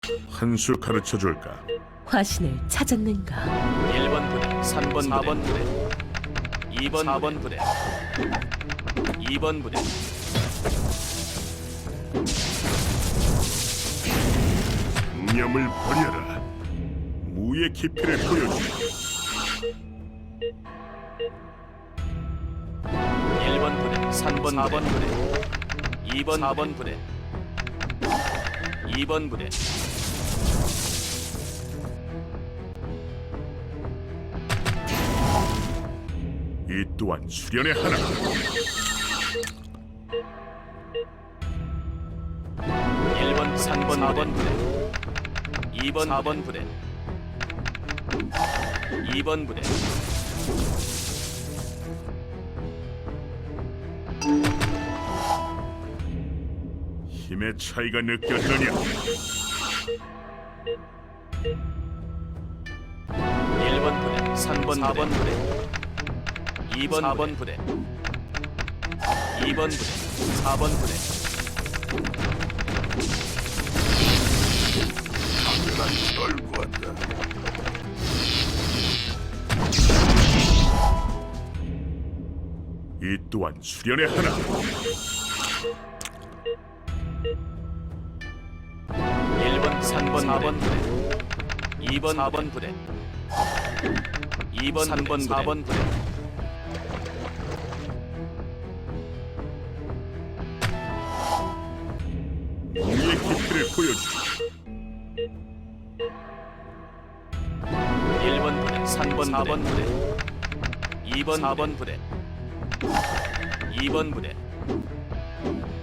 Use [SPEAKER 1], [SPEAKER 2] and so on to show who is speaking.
[SPEAKER 1] 한 수 가르쳐 줄까?
[SPEAKER 2] 화신을 찾았는가?
[SPEAKER 3] 1번 부대, 3번 4번 부대, 2번 4번 부대, 2번 부대,
[SPEAKER 1] 념을 버려라. 무의 깊이를 보여주마.
[SPEAKER 3] 1번 부대, 3번 4번 부대, 2번 4번 부대, 2번 부대,
[SPEAKER 1] 이 또한 수련의 하나.
[SPEAKER 3] 1번 3번 4번 부대, 2번 4번 부대, 2번 부대,
[SPEAKER 1] 힘의 차이가 느껴지느냐?
[SPEAKER 3] 1번 부대, 3번 4번 부대, 2번 4번 부대, 2번 부대, 4번 부대,
[SPEAKER 1] 강렬한 절구한다. 이 또한 수련의 하나.
[SPEAKER 3] 1번 3번 4번 부대, 2번 4번 부대, 2번 3번 4번 부대,
[SPEAKER 1] 무의 깊이를 보여주마.
[SPEAKER 3] 1번 부대, 3번 4번 부대, 2번 4번 부대, 2번 부대,